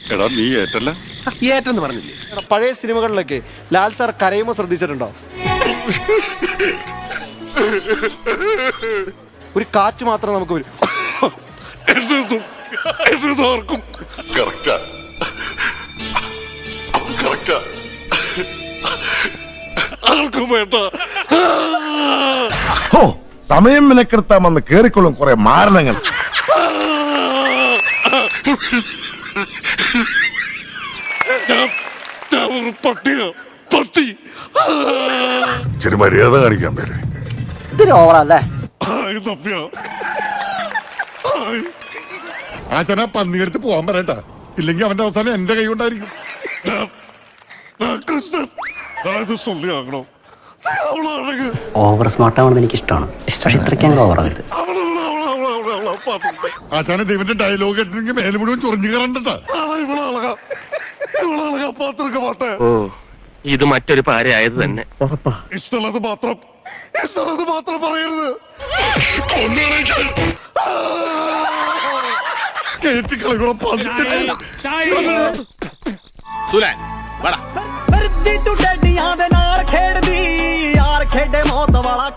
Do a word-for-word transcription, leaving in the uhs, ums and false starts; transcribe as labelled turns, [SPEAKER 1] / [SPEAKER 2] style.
[SPEAKER 1] എടാ നീ ഏറ്റല്ല
[SPEAKER 2] ഏറ്റെന്ന് പറഞ്ഞില്ലേ?
[SPEAKER 3] പഴയ സിനിമകളിലൊക്കെ ലാൽ സാർ കരയുമ്പോൾ ശ്രദ്ധിച്ചിട്ടുണ്ടോ? ഒരു കാറ്റ് മാത്രം നമുക്ക് വരും.
[SPEAKER 4] സമയം മെനക്കെടുത്താമെന്ന് കേറിക്കൊള്ളും കുറെ മാരണങ്ങൾ.
[SPEAKER 1] ചെറിയ മര്യാദ കാണിക്കാൻ പേര്
[SPEAKER 5] ഇത്തിരി ഓവറല്ലേ?
[SPEAKER 1] ആശാന പന്നിയെടുത്ത് പോവാൻ പറയട്ടാ, ഇല്ലെങ്കിൽ അവന്റെ അവസാനം എന്റെ കൈ കൊണ്ടായിരിക്കും.
[SPEAKER 5] ഓവർ സ്മാർട്ട് ആവണമെന്ന് എനിക്ക് ഇഷ്ടമാണ്. പക്ഷെ ഇത്രയ്ക്ക് അങ്ങനെ ഓവർ ആകരുത്.
[SPEAKER 1] ആശാന ദൈവന്റെ ഡയലോഗ് കേട്ടില്ലെങ്കിൽ മേലെ മുഴുവൻ ചൊറിഞ്ഞു കയറണ്ടട്ടാ.
[SPEAKER 6] ഓ, ഇത് മറ്റൊരു പാരയായത് തന്നെ.
[SPEAKER 1] ഇഷ്ടമുള്ളത് മാത്രം ഇഷ്ടമുള്ളത് മാത്രം പറയരുത്. കേറ്റി കളികളെ
[SPEAKER 2] സുലാൻ വാടാ.
[SPEAKER 7] ਧਰਤੀ ਤੂੰ ਡੱਡੀਆਂ ਦੇ ਨਾਲ ਖੇਡਦੀ ਯਾਰ ਖੇਡੇ ਮੌਤ ਵਾਲਾ